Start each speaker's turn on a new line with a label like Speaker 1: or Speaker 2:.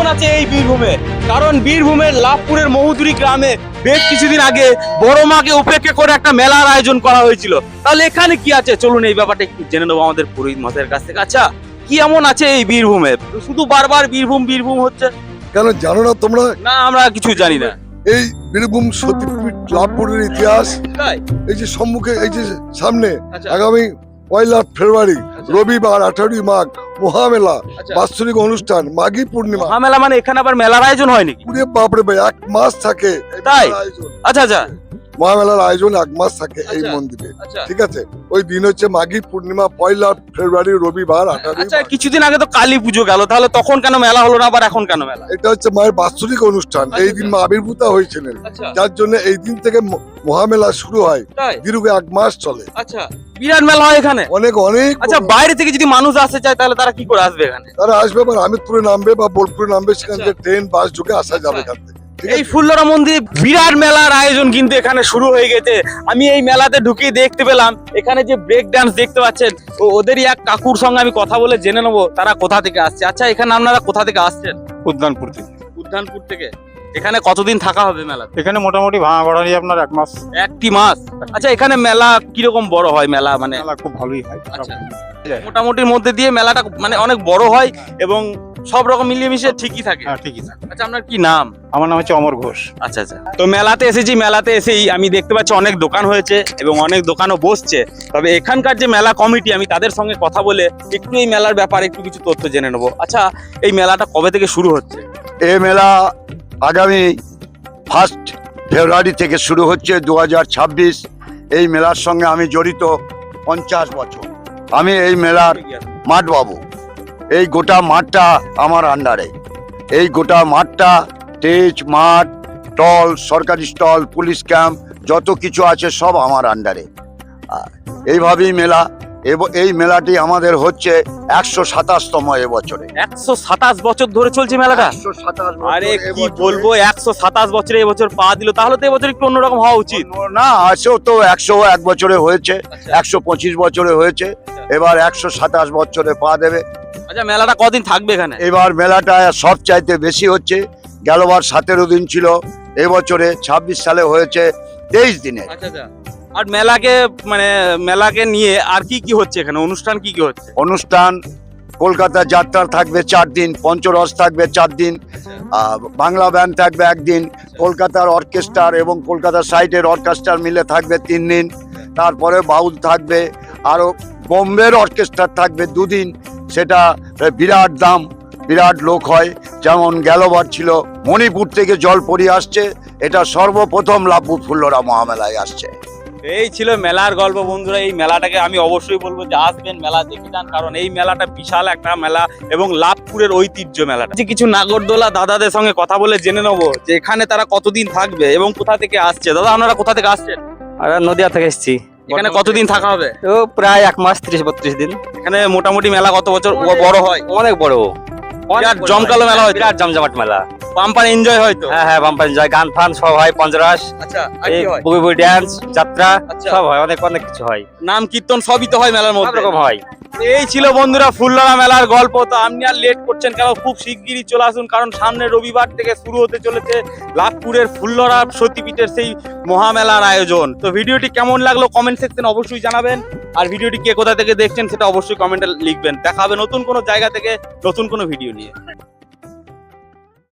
Speaker 1: আছে এই বীরভূমে? কারণ বীরভূমের লাভপুরের মহুদুরি গ্রামে বেশ কিছুদিন আগে বড় মাকে উপেক্ষা করে একটা মেলার আয়োজন করা হয়েছিল। তাহলে এখানে কি আছে চলুন এই ব্যাপারটা একটু জেনে নেবো আমাদের পুরোহিত মশাইয়ের কাছ থেকে। আচ্ছা, কি এমন আছে এই বীরভূমে? শুধু বারবার বীরভূম বীরভূম হচ্ছে
Speaker 2: কেন জানো না তোমরা?
Speaker 1: না, আমরা কিছু জানি না।
Speaker 2: এই বীরভূম সতীপীঠ লাভপুরের ইতিহাস
Speaker 1: তাই?
Speaker 2: এই যে সম্মুখে, এই যে সামনে
Speaker 1: আচ্ছা।
Speaker 2: আগামী 1 ফেব্রুয়ারি
Speaker 1: আচ্ছা।
Speaker 2: রবিবার 18 মাঘ মহামেলা,
Speaker 1: আচ্ছা।
Speaker 2: বাৎসরিক অনুষ্ঠান মাঘী পূর্ণিমা।
Speaker 1: মহামেলা মানে এখানে আবার মেলার আয়োজন হয় নাকি?
Speaker 2: পুরে বাপরে ভাই 1 মাস থাকে এই
Speaker 1: তাই?
Speaker 2: মেলার আয়োজন।
Speaker 1: আচ্ছা আচ্ছা
Speaker 2: মহামেলার আয়োজন 1 মাস থাকে এই
Speaker 1: আচ্ছা।
Speaker 2: মন্দিরে।
Speaker 1: আচ্ছা
Speaker 2: ঠিক আছে, ওই দিন হচ্ছে মাঘী পূর্ণিমা 1 ফেব্রুয়ারি রবিবার 18
Speaker 1: আচ্ছা,
Speaker 2: মাঘ।
Speaker 1: কিছুদিন আগে তো কালী পুজো গেল, তাহলে তখন কেন মেলা হলো না, আবার এখন কেন মেলা?
Speaker 2: এটা হচ্ছে মায়ের বাৎসরিক অনুষ্ঠান, এই দিন মা আবির্ভূতা হয়েছিলেন,
Speaker 1: আচ্ছা
Speaker 2: যার জন্য এই দিন থেকে মহামেলা শুরু হয়,
Speaker 1: তাই?
Speaker 2: দীর্ঘ 1 মাস চলে।
Speaker 1: আচ্ছা, বিরাট মেলা হয় এখানে?
Speaker 2: অনেক অনেক
Speaker 1: আচ্ছা, বাইরে থেকে যদি মানুষ আসতে চায় তাহলে তারা কি করে আসবে এখানে?
Speaker 2: তারা আসবে, আবার আমিরপুরে নামবে বা বোলপুরে নামবে, সেখান
Speaker 1: আচ্ছা।
Speaker 2: থেকে ট্রেন বাস ঢুকে আসা যাবে এখান থেকে। ঠিক
Speaker 1: এই
Speaker 2: আছে?
Speaker 1: ফুল্লরা মন্দিরে বিরাট মেলার আয়োজন কিন্তু এখানে শুরু হয়ে গেছে। আমি এই মেলাতে ঢুকে দেখতে পেলাম এখানে যে ব্রেক ডান্স দেখতে পাচ্ছেন, ওদেরই এক কাকুর সঙ্গে আমি কথা বলে জেনে নেবো তারা কোথা থেকে আসছে। আচ্ছা, এখানে আপনারা কোথা থেকে আসছেন?
Speaker 3: উদ্যানপুর থেকে।
Speaker 1: উদ্যানপুর থেকে। এখানে কতদিন থাকা হবে মেলাতে?
Speaker 3: এখানে মোটামুটি ভাঙা গড়ানি আপনার 1 মাস।
Speaker 1: একটি মাস। আচ্ছা, এখানে মেলা কিরকম বড় হয় মেলা? মানে
Speaker 3: মেলা খুব ভালোই হয়।
Speaker 1: আচ্ছা। মোটামুটির মধ্যে দিয়ে মেলাটা মানে অনেক বড় হয় এবং সব রকম মিলিয়ে মিশিয়ে ঠিকই থাকে।
Speaker 3: হ্যাঁ, ঠিকই থাকে।
Speaker 1: আচ্ছা, আপনার কি নাম?
Speaker 3: আমার নাম হচ্ছে অমর ঘোষ।
Speaker 1: আচ্ছা আচ্ছা, তো মেলাতে এসেছি, মেলাতে এসেই আমি দেখতে পাচ্ছি অনেক দোকান হয়েছে এবং অনেক দোকানও বসছে। তবে এখানকার যে মেলা কমিটি, আমি তাদের সঙ্গে কথা বলে একটু এই মেলার ব্যাপারে একটু কিছু তথ্য জেনে নেবো। আচ্ছা, এই মেলাটা কবে থেকে শুরু হচ্ছে?
Speaker 4: এই মেলা আগামী 1 ফেব্রুয়ারি থেকে শুরু হচ্ছে 2026। এই মেলার সঙ্গে আমি জড়িত 50 বছর। আমি এই মেলার মাঠ বাবু। এই গোটা মাঠটা আমার আন্ডারে। এই গোটা মাঠটা স্টেজ, মাঠ, স্টল, সরকারি স্টল, পুলিশ ক্যাম্প, যত কিছু আছে সব আমার আন্ডারে। এইভাবেই মেলা, এই মেলাটি আমাদের হচ্ছে 127তম এবছরে।
Speaker 1: 127 বছর ধরে চলছে মেলাটা?
Speaker 4: 127 বছর
Speaker 1: আরে কি
Speaker 4: এবছরে।
Speaker 1: বলবো, 127 বছরে এবছর পা দিল, তাহলে তো এবছর একটু অন্যরকম হওয়া উচিত।
Speaker 4: না, আছেও তো 101 বছরে হয়েছে, 125 বছরে হয়েছে, এবার 127 বছরে পা দেবে।
Speaker 1: আচ্ছা, মেলাটা কদিন থাকবে এখানে?
Speaker 4: এবার মেলাটা সব চাইতে বেশি হচ্ছে। গেলবার 17 দিন ছিল, এবছরে 26 সালে হয়েছে 23 দিনে।
Speaker 1: আচ্ছা আচ্ছা, আর মেলাকে নিয়ে আর কি কি হচ্ছে এখানে? অনুষ্ঠান কি কি হচ্ছে?
Speaker 4: অনুষ্ঠান কলকাতা যাত্রা থাকবে 4 দিন, পঞ্চরস থাকবে 4 দিন, বাংলা ব্যান্ড থাকবে 1 দিন, কলকাতার অর্কেস্ট্রার এবং কলকাতার সাইডের অর্কেস্ট্রার মিলে থাকবে 3 দিন, তারপরে বাউল থাকবে, আরো বোম্বের অর্কেস্ট্রা থাকবে 2 দিন। সেটা বিরাট দাম, বিরাট লোক হয়। যেমন গেলবার ছিল মণিপুর থেকে জলপরি আসছে, এটা সর্বপ্রথম লাভপুর ফুল্লরা মহামেলায় আসছে।
Speaker 1: এই ছিল মেলার গল্প বন্ধুরা। এই মেলাটাকে আমি অবশ্যই বলবো যে আসবেন, মেলা দেখে যান, কারণ এই মেলাটা বিশাল একটা মেলা এবং লাভপুরের ঐতিহ্য মেলাটা। যে কিছু নাগরদোলা দাদাদের সঙ্গে কথা বলে জেনে নেবো যে এখানে তারা কতদিন থাকবে এবং কোথা থেকে আসছে। দাদা, আপনারা কোথা থেকে আসছেন?
Speaker 5: আমরা নদিয়া থেকে এসেছি।
Speaker 1: এখানে কতদিন থাকা হবে?
Speaker 5: তো প্রায় 1 মাস 30-32 দিন।
Speaker 1: এখানে মোটামুটি মেলা কত বছর বড় হয়?
Speaker 5: অনেক বড়,
Speaker 1: বিরাট জমকালো মেলা হয়,
Speaker 5: বিরাট জমজমাট মেলা।
Speaker 1: পাম্পার এনজয় হয় তো?
Speaker 5: হ্যাঁ হ্যাঁ, বাম্পার যায়, গান ফান সব হয়, পঞ্চরাস,
Speaker 1: আচ্ছা, আর
Speaker 5: এই
Speaker 1: কি হয়?
Speaker 5: বই ড্যান্স, যাত্রা
Speaker 1: আচ্ছা।
Speaker 5: সব হয়, অনেক অনেক কিছু হয়,
Speaker 1: নাম কীর্তন সবই তো হয় মেলার
Speaker 5: সব
Speaker 1: মধ্যে।
Speaker 5: রকম হয়।
Speaker 1: এই ছিল বন্ধুরা ফুল্লরা মেলার গল্প। তো আপনি আর লেট করছেন কেন? খুব শিগগিরই চলে আসুন, কারণ সামনে রবিবার থেকে শুরু হতে চলেছে লাভপুরের ফুল্লরা সতীপীঠের সেই মহামেলার আয়োজন। তো ভিডিওটি কেমন লাগলো কমেন্ট সেকশনে অবশ্যই জানাবেন, আর ভিডিওটি কে কোথা থেকে দেখছেন সেটা অবশ্যই কমেন্টে লিখবেন। দেখা হবে নতুন কোনো জায়গা থেকে নতুন কোনো ভিডিও নিয়ে।